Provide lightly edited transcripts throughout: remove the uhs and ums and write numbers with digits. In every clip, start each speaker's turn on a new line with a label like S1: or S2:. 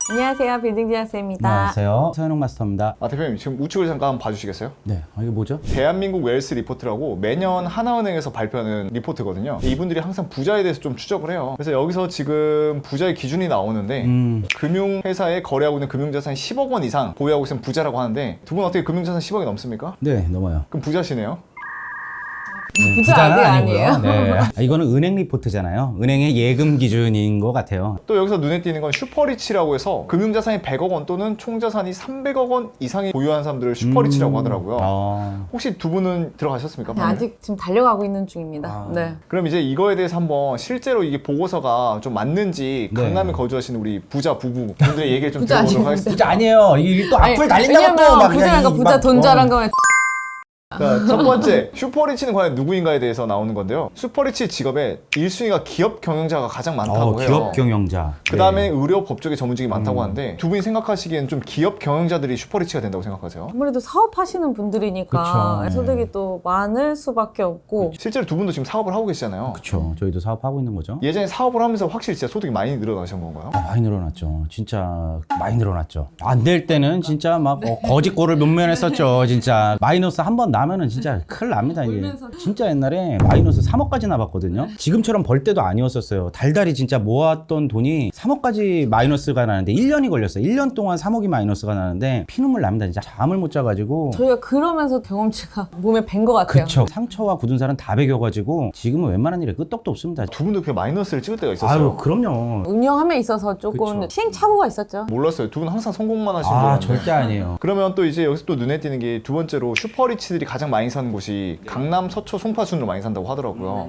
S1: 안녕하세요. 빌딩지하스입니다.
S2: 안녕하세요. 서현웅 마스터입니다.
S3: 대표님 지금 우측을 잠깐 봐주시겠어요?
S2: 네, 이게 뭐죠?
S3: 대한민국 웰스 리포트라고 매년 하나은행에서 발표하는 리포트거든요. 이분들이 항상 부자에 대해서 좀 추적을 해요. 그래서 여기서 지금 부자의 기준이 나오는데 금융회사에 거래하고 있는 금융자산이 10억 원 이상 보유하고 있으면 부자라고 하는데 두 분 어떻게 금융자산 10억이 넘습니까?
S2: 네, 넘어요.
S3: 그럼 부자시네요?
S1: 부자 아직 아니에요?
S2: 네. 이거는 은행 리포트잖아요. 은행의 예금 기준인 것 같아요.
S3: 또 여기서 눈에 띄는 건 슈퍼리치라고 해서 금융자산이 100억 원 또는 총자산이 300억 원 이상이 보유한 사람들을 슈퍼리치라고 하더라고요. 혹시 두 분은 들어가셨습니까?
S1: 네, 아직 지금 달려가고 있는 중입니다. 네.
S3: 그럼 이제 이거에 대해서 한번 실제로 이게 보고서가 좀 맞는지
S2: 네.
S3: 강남에 거주하시는 우리 부자 부부 분들의 얘기를 좀
S1: 부자
S3: 들어보도록
S1: 아닙니다.
S3: 하겠습니다.
S2: 부자 아니에요. 이게 또 악플 달린다고 또 막
S1: 부자가
S2: 그냥
S1: 부자
S2: 막,
S1: 돈 자란 거면
S3: 자, 첫 번째, 슈퍼리치는 과연 누구인가에 대해서 나오는 건데요. 슈퍼리치 직업에 1순위가 기업 경영자가 가장 많다고 해요.
S2: 기업 경영자.
S3: 그 다음에
S2: 네.
S3: 의료 법조계 전문직이 많다고 하는데 두 분이 생각하시기엔 좀 기업 경영자들이 슈퍼리치가 된다고 생각하세요?
S1: 아무래도 사업하시는 분들이니까
S2: 그쵸.
S1: 소득이 또 많을 수밖에 없고
S3: 실제로 두 분도 지금 사업을 하고 계시잖아요.
S2: 그렇죠. 저희도 사업하고 있는 거죠.
S3: 예전에 사업을 하면서 확실히 진짜 소득이 많이 늘어나신 건가요?
S2: 많이 늘어났죠. 진짜 많이 늘어났죠. 안 될 때는 진짜 막 거짓골을 면면했었죠. 진짜 마이너스 한 번 나면은 진짜 큰일 납니다. 이게. 진짜 옛날에 마이너스 3억까지 나봤거든요. 지금처럼 벌 때도 아니었었어요. 달달이 진짜 모았던 돈이 3억까지 마이너스가 나는데 1년이 걸렸어요. 1년 동안 3억이 마이너스가 나는데 피눈물 납니다. 진짜 잠을 못 자가지고.
S1: 저희가 그러면서 경험치가 몸에 밴 것 같아요.
S2: 그쵸. 상처와 굳은 살은 다 배겨가지고 지금은 웬만한 일에 끄떡도 없습니다.
S3: 두 분도 그 마이너스를 찍을 때가 있었어요.
S2: 아유, 그럼요.
S1: 운영함에 있어서 조금
S2: 그쵸.
S1: 시행착오가 있었죠.
S3: 몰랐어요. 두 분 항상 성공만 하신 분인데.
S2: 절대 아니에요.
S3: 그러면 또 이제 여기서 또 눈에 띄는 게 두 번째로 슈퍼리치들이 가장 많이 사는 곳이 강남, 서초, 송파 순으로 많이 산다고 하더라고요.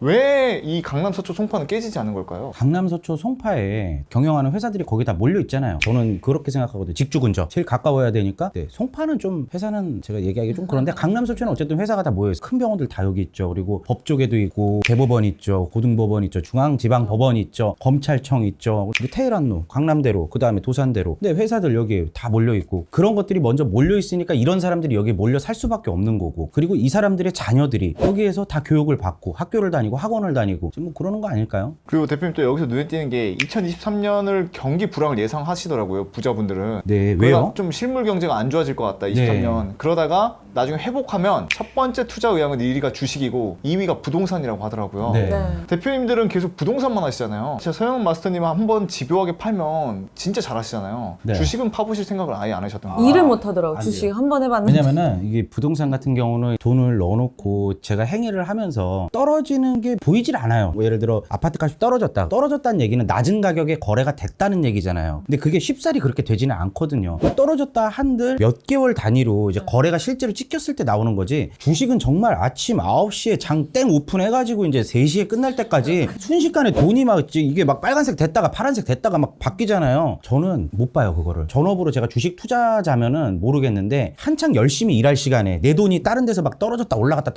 S3: 왜 이 강남, 서초, 송파는 깨지지 않는 걸까요?
S2: 강남, 서초, 송파에 경영하는 회사들이 거기 다 몰려 있잖아요. 저는 그렇게 생각하거든요. 직주 근접. 제일 가까워야 되니까. 네, 송파는 좀 회사는 제가 얘기하기 좀 그런데 강남, 서초는 어쨌든 회사가 다 모여 있어요. 큰 병원들 다 여기 있죠. 그리고 법조계도 있고 대법원 있죠. 고등법원 있죠. 중앙지방법원 있죠. 검찰청 있죠. 그리고 테헤란로, 강남대로, 그 다음에 도산대로. 근데 회사들 여기 다 몰려 있고 그런 것들이 먼저 몰려 있으니까 이런 사람들이 여기 몰려 살 수밖에 없는 거고 그리고 이 사람들의 자녀들이 여기에서 다 교육을 받고 학교를 다니고 학원을 다니고 지금 뭐 그러는 거 아닐까요?
S3: 그리고 대표님 또 여기서 눈에 띄는 게 2023년을 경기 불황을 예상하시더라고요. 부자분들은.
S2: 네,
S3: 그러다
S2: 왜요?
S3: 좀 실물 경제가 안 좋아질 것 같다. 23년. 그러다가 나중에 회복하면 첫 번째 투자 의향은 1위가 주식이고 2위가 부동산이라고 하더라고요.
S2: 네.
S1: 네.
S3: 대표님들은 계속 부동산만 하시잖아요. 진짜 서영은 마스터님 한번 집요하게 팔면 진짜 잘하시잖아요.
S2: 네.
S3: 주식은 파보실 생각을 아예 안 하셨던 거예요.
S1: 일을 못 하더라고.
S2: 안
S1: 주식
S2: 돼요.
S1: 한 번 해봤는데.
S2: 왜냐면은 이게 부동산 같은 경우는 돈을 넣어놓고 제가 행위를 하면서 떨어지는 게 보이질 않아요. 뭐 예를 들어 아파트 값이 떨어졌다는 얘기는 낮은 가격에 거래가 됐다는 얘기잖아요. 근데 그게 쉽사리 그렇게 되지는 않거든요. 떨어졌다 한들 몇 개월 단위로 이제 거래가 실제로 찍혔을 때 나오는 거지. 주식은 정말 아침 9시에 장 땡 오픈해가지고 이제 3시에 끝날 때까지 순식간에 돈이 막 이게 막 빨간색 됐다가 파란색 됐다가 막 바뀌잖아요. 저는 못 봐요 그거를. 전업으로 제가 주식 투자자면은 모르겠는데 한창 열심히 일할 시간에 내 돈이 다른 데서 막 떨어졌다 올라갔다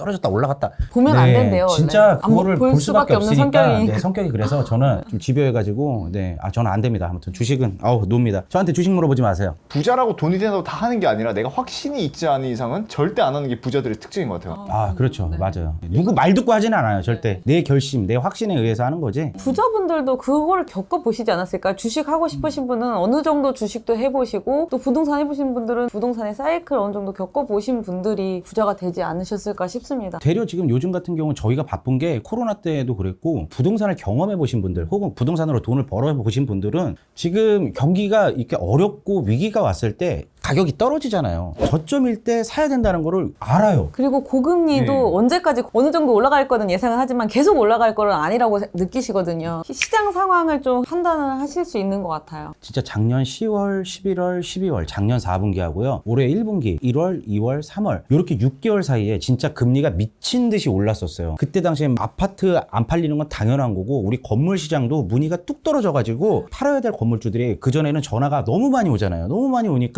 S1: 보면 안 된대요. 원래.
S2: 진짜
S1: 안
S2: 그거를
S1: 볼
S2: 볼 수밖에
S1: 없는
S2: 없으니까
S1: 성격이.
S2: 네, 성격이 그래서 저는 좀 집요해가지고 저는 안 됩니다. 아무튼 주식은 놉니다. 저한테 주식 물어보지 마세요.
S3: 부자라고 돈이 된다고 다 하는 게 아니라 내가 확신이 있지 않은 이상은 절대 안 하는 게 부자들의 특징인 것 같아요.
S2: 그렇죠. 맞아요. 누구 말 듣고 하지는 않아요. 절대. 내 결심, 내 확신에 의해서 하는 거지.
S1: 부자분들도 그걸 겪어보시지 않았을까요? 주식 하고 싶으신 분은 어느 정도 주식도 해보시고 또 부동산 해보신 분들은 부동산의 사이클 어느 정도 겪어보신 분들이 부자가 되지 않으셨을까 싶습니다.
S2: 되려 지금 요즘 같은 경우는 저희가 바쁜 게 코로나 때도 그랬고 부동산을 경험해 보신 분들 혹은 부동산으로 돈을 벌어 보신 분들은 지금 경기가 이렇게 어렵고 위기가 왔을 때 가격이 떨어지잖아요. 저점일 때 사야 된다는 거를 알아요.
S1: 그리고 고금리도
S2: 네.
S1: 언제까지 어느 정도 올라갈 거는 예상은 하지만 계속 올라갈 거는 아니라고 느끼시거든요. 시장 상황을 좀 판단을 하실 수 있는 것 같아요.
S2: 진짜 작년 10월, 11월, 12월 작년 4분기 하고요. 올해 1분기 1월, 2월, 3월 이렇게 6개월 사이에 진짜 금리가 미친 듯이 올랐었어요. 그때 당시에 아파트 안 팔리는 건 당연한 거고 우리 건물 시장도 문의가 뚝 떨어져가지고 팔아야 될 건물주들이 그전에는 전화가 너무 많이 오잖아요. 너무 많이 오니까 전화가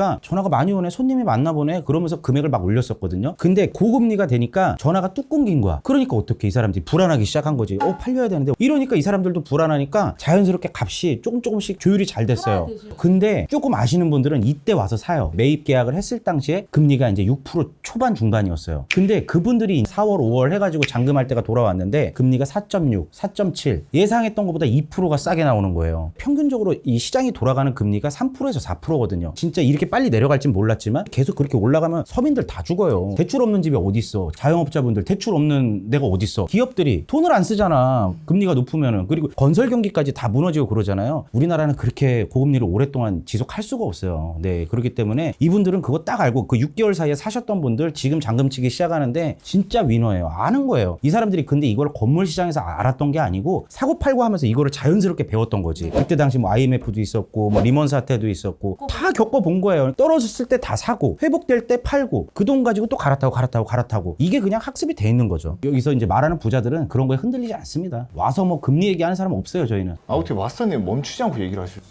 S2: 전화가 많이 오네, 손님이 많나 보네, 그러면서 금액을 막 올렸었거든요. 근데 고금리가 되니까 전화가 뚝 끊긴 거야. 그러니까 어떻게 이 사람들이 불안하기 시작한 거지. 팔려야 되는데. 이러니까 이 사람들도 불안하니까 자연스럽게 값이 조금씩 조율이 잘 됐어요. 근데 조금 아시는 분들은 이때 와서 사요. 매입 계약을 했을 당시에 금리가 이제 6% 초반 중반이었어요. 근데 그분들이 4월, 5월 해가지고 잔금할 때가 돌아왔는데 금리가 4.6, 4.7 예상했던 것보다 2%가 싸게 나오는 거예요. 평균적으로 이 시장이 돌아가는 금리가 3%에서 4%거든요. 진짜 이렇게 빨리 내려갈진 몰랐지만 계속 그렇게 올라가면 서민들 다 죽어요. 대출 없는 집이 어디 있어? 자영업자분들 대출 없는 데가 어디 있어? 기업들이 돈을 안 쓰잖아. 금리가 높으면은. 그리고 건설 경기까지 다 무너지고 그러잖아요. 우리나라는 그렇게 고금리를 오랫동안 지속할 수가 없어요. 네, 그렇기 때문에 이분들은 그거 딱 알고 그 6개월 사이에 사셨던 분들 지금 잔금 치기 시작하는데 진짜 위너예요. 아는 거예요. 이 사람들이 근데 이걸 건물 시장에서 알았던 게 아니고 사고 팔고 하면서 이거를 자연스럽게 배웠던 거지. 그때 당시 뭐 IMF도 있었고 뭐 리먼 사태도 있었고 다 겪어본 거예요. 떨어졌을 때 다 사고 회복될 때 팔고 그 돈 가지고 또 갈아타고 이게 그냥 학습이 돼 있는 거죠. 여기서 이제 말하는 부자들은 그런 거에 흔들리지 않습니다. 와서 뭐 금리 얘기하는 사람 없어요, 저희는.
S3: 어떻게 마스터님 멈추지 않고 얘기를 하시죠?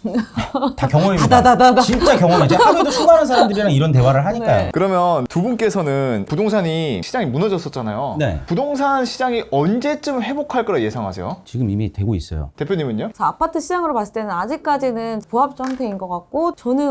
S2: 다 경험입니다. 진짜 경험이죠. 하루에도 수많은 사람들이랑 이런 대화를 하니까요.
S1: 네.
S3: 그러면 두 분께서는 부동산이 시장이 무너졌었잖아요.
S2: 네.
S3: 부동산 시장이 언제쯤 회복할 거라 예상하세요?
S2: 지금 이미 되고 있어요.
S3: 대표님은요?
S1: 그래서 아파트 시장으로 봤을 때는 아직까지는 보합 상태인 것 같고 저는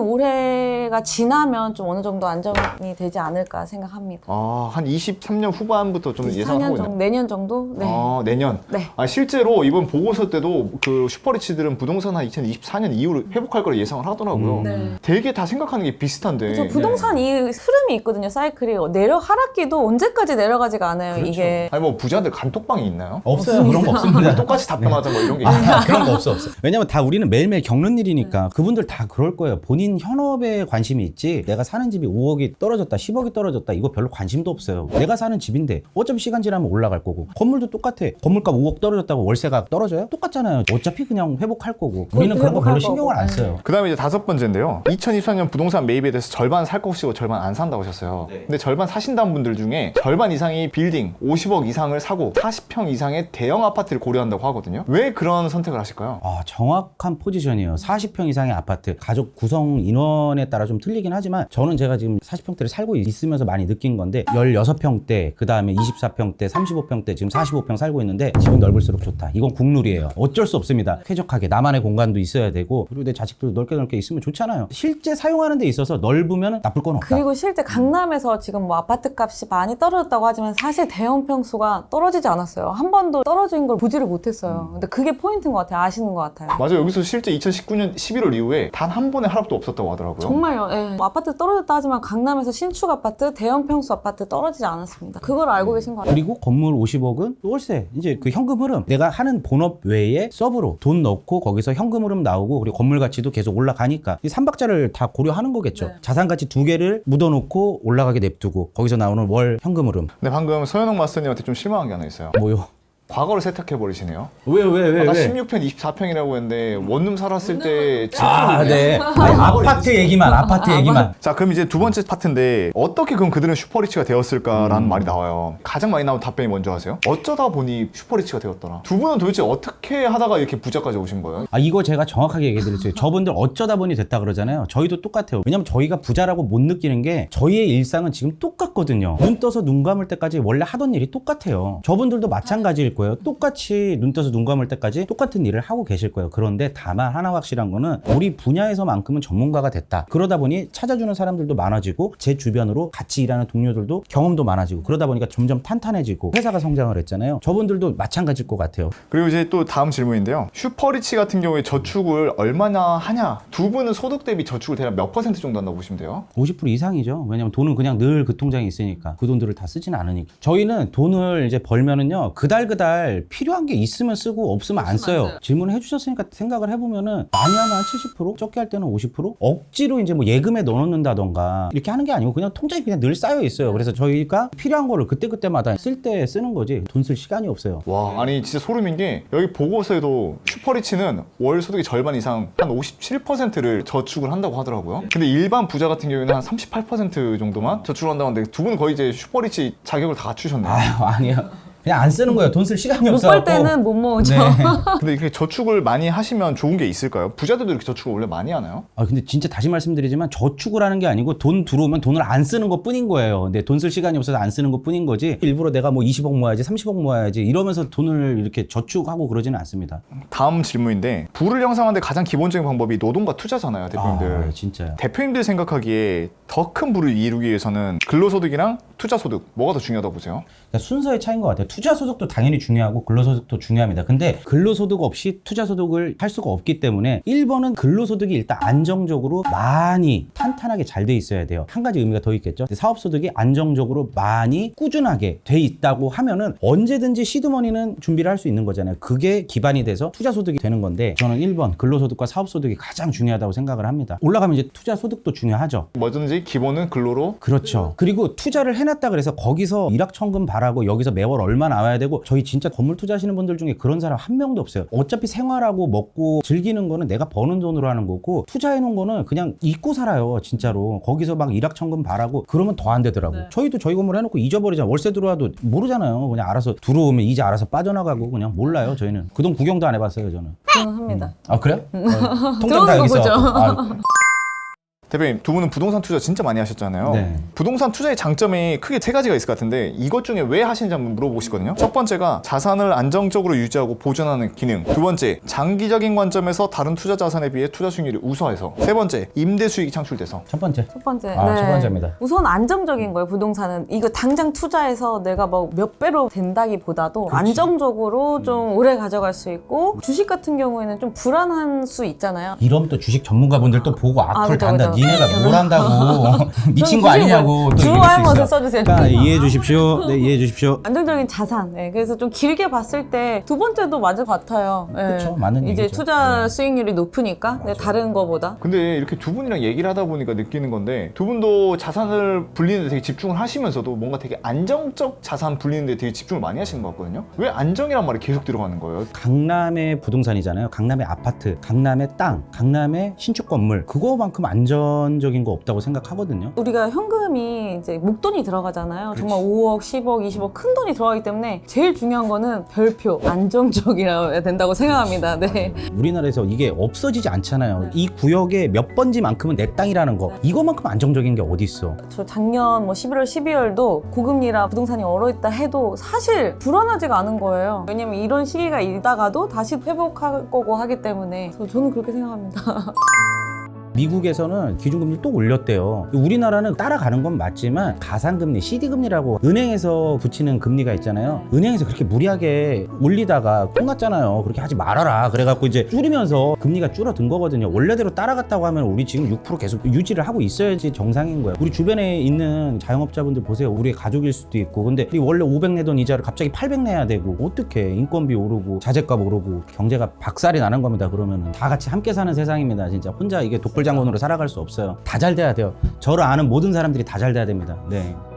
S1: 올해가 지나면 좀 어느 정도 안정이 되지 않을까 생각합니다.
S3: 한 23년 후반부터 좀
S1: 4년
S3: 예상하고
S1: 정도,
S3: 있나요?
S1: 내년 정도? 네.
S3: 내년.
S1: 네.
S3: 실제로 이번 보고서 때도 그 슈퍼리치들은 부동산 한 2024년 이후로 회복할 거라 예상을 하더라고요.
S1: 네.
S3: 되게 다 생각하는 게 비슷한데.
S1: 저 부동산 이 흐름이 있거든요, 사이클이. 하락기도 언제까지 내려가지가 않아요,
S3: 그렇죠.
S1: 이게.
S3: 아니 뭐 부자들 간톡방이 있나요?
S2: 없어요. 그런 거 없습니다.
S3: 똑같이 답변하자 뭐 이런 게 있나요?
S2: 그런 거 없어. 왜냐면 다 우리는 매일매일 겪는 일이니까 그분들 다 그럴 거예요. 본인 현업에 관심이 있지 내가 사는 집이 5억이 떨어졌다 10억이 떨어졌다 이거 별로 관심도 없어요. 내가 사는 집인데 어차피 시간 지나면 올라갈 거고 건물도 똑같아. 건물값 5억 떨어졌다고 월세가 떨어져요? 똑같잖아요. 어차피 그냥 회복할 거고 우리는 그런 거 별로 신경을 안 써요.
S3: 그 다음에 이제 5번째인데요. 2024년 부동산 매입에 대해서 절반 살 것이고 절반 안 산다고 하셨어요. 근데 절반 사신다는 분들 중에 절반 이상이 빌딩 50억 이상을 사고 40평 이상의 대형 아파트를 고려한다고 하거든요. 왜 그런 선택을 하실까요?
S2: 정확한 포지션이에요. 40평 이상의 아파트. 가족 구성 인원에 따라 좀 틀리긴 하지만 저는 제가 지금 40평대를 살고 있으면서 많이 느낀 건데 16평대, 그 다음에 24평대, 35평대, 지금 45평 살고 있는데 집은 넓을수록 좋다. 이건 국룰이에요. 어쩔 수 없습니다. 쾌적하게 나만의 공간도 있어야 되고 그리고 내 자식들도 넓게 있으면 좋잖아요. 실제 사용하는 데 있어서 넓으면 나쁠 건 없다.
S1: 그리고 실제 강남에서 지금 뭐 아파트 값이 많이 떨어졌다고 하지만 사실 대형 평수가 떨어지지 않았어요. 한 번도 떨어진 걸 보지를 못했어요. 근데 그게 포인트인 것 같아요. 아시는 것 같아요.
S3: 맞아요. 여기서 실제 2019년 11월 이후에 단 한 번의 하락도 없었다고 하더라고요.
S1: 정말요. 예. 뭐 아파트 떨어졌다 하지만 강남에서 신축 아파트, 대형 평수 아파트 떨어지지 않았습니다. 그걸 알고 계신 것 같아요.
S2: 그리고 건물 50억은 월세. 이제 그 현금 흐름. 내가 하는 본업 외에 서브로 돈 넣고 거기서 현금 흐름 나오고 그리고 건물 가치도 계속 올라가니까 이 3박자를 다 고려하는 거겠죠.
S1: 네.
S2: 자산 가치 2개를 묻어놓고 올라가게 냅두고 거기서 나오는 월 현금 흐름.
S3: 근데 방금 서현웅 마스터님한테 좀 실망한 게 하나 있어요.
S2: 뭐요?
S3: 과거를 세탁해버리시네요.
S2: 왜?
S3: 나 16평 24평이라고 했는데 원룸 살았을 때
S2: 네. 아파트 얘기만.
S3: 자, 그럼 이제 두 번째 파트인데 어떻게 그럼 그들은 슈퍼리치가 되었을까라는 말이 나와요. 가장 많이 나온 답변이 먼저 하세요. 어쩌다 보니 슈퍼리치가 되었더라. 두 분은 도대체 어떻게 하다가 이렇게 부자까지 오신 거예요?
S2: 이거 제가 정확하게 얘기해 드렸어요. 저분들 어쩌다 보니 됐다 그러잖아요. 저희도 똑같아요. 왜냐면 저희가 부자라고 못 느끼는 게 저희의 일상은 지금 똑같거든요. 눈 떠서 눈 감을 때까지 원래 하던 일이 똑같아요. 저분들도 마찬가지일 거예요. 똑같이 눈 떠서 눈 감을 때까지 똑같은 일을 하고 계실 거예요. 그런데 다만 하나 확실한 거는 우리 분야에서만큼은 전문가가 됐다. 그러다 보니 찾아주는 사람들도 많아지고 제 주변으로 같이 일하는 동료들도 경험도 많아지고 그러다 보니까 점점 탄탄해지고 회사가 성장을 했잖아요. 저분들도 마찬가지일 것 같아요.
S3: 그리고 이제 또 다음 질문인데요. 슈퍼리치 같은 경우에 저축을 얼마나 하냐? 두 분은 소득 대비 저축을 대략 몇 % 정도 한다고 보시면 돼요?
S2: 50% 이상이죠. 왜냐면 돈은 그냥 늘 그 통장에 있으니까 그 돈들을 다 쓰지는 않으니까. 저희는 돈을 이제 벌면은요 그달 필요한 게 있으면 쓰고 없으면 안 써요. 질문을 해주셨으니까 생각을 해보면은 많이 하면 한 70%, 적게 할 때는 50%? 억지로 이제 뭐 예금에 넣어놓는다던가 이렇게 하는 게 아니고 그냥 통장에 그냥 늘 쌓여 있어요. 그래서 저희가 필요한 거를 그때그때마다 쓸 때 쓰는 거지 돈 쓸 시간이 없어요.
S3: 와, 아니 진짜 소름인 게 여기 보고서에도 슈퍼리치는 월 소득의 절반 이상 한 57%를 저축을 한다고 하더라고요. 근데 일반 부자 같은 경우에는 한 38% 정도만 저축을 한다고 하는데 두 분은 거의 이제 슈퍼리치 자격을 다 갖추셨네요.
S2: 아니요. 그냥 안 쓰는 거예요. 돈 쓸 시간이
S1: 못
S2: 없어.
S1: 벌 때는 못 모으죠.
S2: 네.
S3: 근데 이렇게 저축을 많이 하시면 좋은 게 있을까요? 부자들도 이렇게 저축을 원래 많이 하나요?
S2: 아 근데 진짜 다시 말씀드리지만 저축을 하는 게 아니고 돈 들어오면 돈을 안 쓰는 것 뿐인 거예요. 근데 돈 쓸 시간이 없어서 안 쓰는 것 뿐인 거지. 일부러 내가 뭐 20억 모아야지 30억 모아야지 이러면서 돈을 이렇게 저축하고 그러지는 않습니다.
S3: 다음 질문인데 부를 형성하는데 가장 기본적인 방법이 노동과 투자잖아요, 대표님들.
S2: 아 진짜요.
S3: 대표님들 생각하기에 더 큰 부를 이루기 위해서는 근로소득이랑 투자소득 뭐가 더 중요하다고 보세요?
S2: 그러니까 순서의 차이인 것 같아요. 투자소득도 당연히 중요하고 근로소득도 중요합니다. 근데 근로소득 없이 투자소득을 할 수가 없기 때문에 1번은 근로소득이 일단 안정적으로 많이 탄탄하게 잘 돼 있어야 돼요. 한 가지 의미가 더 있겠죠. 사업소득이 안정적으로 많이 꾸준하게 돼 있다고 하면은 언제든지 시드머니는 준비를 할 수 있는 거잖아요. 그게 기반이 돼서 투자소득이 되는 건데 저는 1번 근로소득과 사업소득이 가장 중요하다고 생각을 합니다. 올라가면 이제 투자소득도 중요하죠.
S3: 뭐든지 기본은 근로로.
S2: 그렇죠. 그리고 투자를 해놨다 그래서 거기서 일확천금 바라고 여기서 매월 얼마 나와야 되고 저희 진짜 건물 투자하시는 분들 중에 그런 사람 한 명도 없어요. 어차피 생활하고 먹고 즐기는 거는 내가 버는 돈으로 하는 거고 투자해놓은 거는 그냥 잊고 살아요. 진짜로. 거기서 막 일확천금 바라고 그러면 더 안 되더라고.
S1: 네.
S2: 저희도 저희 건물 해놓고 잊어버리잖아요. 월세 들어와도 모르잖아요. 그냥 알아서 들어오면 이제 알아서 빠져나가고 그냥 몰라요. 저희는. 그 돈 구경도 안 해봤어요. 저는.
S1: 저는 합니다.
S2: 아 그래요? 통장
S1: 들어오는
S2: 다
S1: 거
S2: 여기서.
S1: 보죠.
S2: 아,
S3: 대표님, 두 분은 부동산 투자 진짜 많이 하셨잖아요.
S2: 네.
S3: 부동산 투자의 장점이 크게 세 가지가 있을 것 같은데 이것 중에 왜 하시는지 한번 물어보고 싶거든요. 첫 번째가 자산을 안정적으로 유지하고 보존하는 기능. 두 번째, 장기적인 관점에서 다른 투자 자산에 비해 투자 수익률이 우수해서. 세 번째, 임대 수익이 창출돼서.
S2: 첫 번째.
S1: 첫 번째.
S2: 첫 번째입니다.
S1: 우선 안정적인 거예요, 부동산은. 이거 당장 투자해서 내가 뭐 몇 배로 된다기보다도 안정적으로 좀 오래 가져갈 수 있고 주식 같은 경우에는 좀 불안한 수 있잖아요.
S2: 이러면 또 주식 전문가분들 또 보고 악플
S1: 그죠,
S2: 단다.
S1: 그죠.
S2: 니네가 뭘 한다고. 미친 거 아니냐고. 또
S1: 주로
S2: 이럴 수
S1: 알못을
S2: 있어.
S1: 써주세요.
S2: 그러니까 이해해 주십시오. 네, 이해해 주십시오.
S1: 안정적인 자산. 네, 그래서 좀 길게 봤을 때 두 번째도 맞을 것 같아요. 네.
S2: 그쵸, 맞는
S1: 이제
S2: 얘기죠.
S1: 투자
S2: 네.
S1: 수익률이 높으니까 네, 다른 거보다.
S3: 근데 이렇게 두 분이랑 얘기를 하다 보니까 느끼는 건데 두 분도 자산을 불리는 데 되게 집중을 하시면서도 뭔가 되게 안정적 자산 불리는 데 되게 집중을 많이 하시는 것 같거든요. 왜 안정이란 말이 계속 들어가는 거예요?
S2: 강남의 부동산이잖아요. 강남의 아파트, 강남의 땅, 강남의 신축 건물. 그거만큼 안전적인 거 없다고 생각하거든요.
S1: 우리가 현금이 이제 목돈이 들어가잖아요. 정말 5억, 10억, 20억 큰 돈이 들어가기 때문에 제일 중요한 거는 별표, 안정적이라야 된다고 생각합니다. 네.
S2: 우리나라에서 이게 없어지지 않잖아요. 이 구역의 몇 번지만큼은 내 땅이라는 거. 이거만큼 안정적인 게 어디 있어?
S1: 저 작년 뭐 11월, 12월도 고금리라 부동산이 얼어있다 해도 사실 불안하지가 않은 거예요. 왜냐면 이런 시기가 있다가도 다시 회복할 거고 하기 때문에 저는 그렇게 생각합니다.
S2: 미국에서는 기준금리를 또 올렸대요. 우리나라는 따라가는 건 맞지만 가상금리, CD금리라고 은행에서 붙이는 금리가 있잖아요. 은행에서 그렇게 무리하게 올리다가 똥났잖아요. 그렇게 하지 말아라. 그래갖고 이제 줄이면서 금리가 줄어든 거거든요. 원래대로 따라갔다고 하면 우리 지금 6% 계속 유지를 하고 있어야지 정상인 거예요. 우리 주변에 있는 자영업자분들 보세요. 우리 가족일 수도 있고. 근데 원래 500 내던 이자를 갑자기 800 내야 되고 어떡해. 인건비 오르고 자재값 오르고 경제가 박살이 나는 겁니다. 그러면은 다 같이 함께 사는 세상입니다. 진짜 혼자 이게 독불장군으로 살아갈 수 없어요. 다 잘 돼야 돼요. 저를 아는 모든 사람들이 다 잘 돼야 됩니다. 네.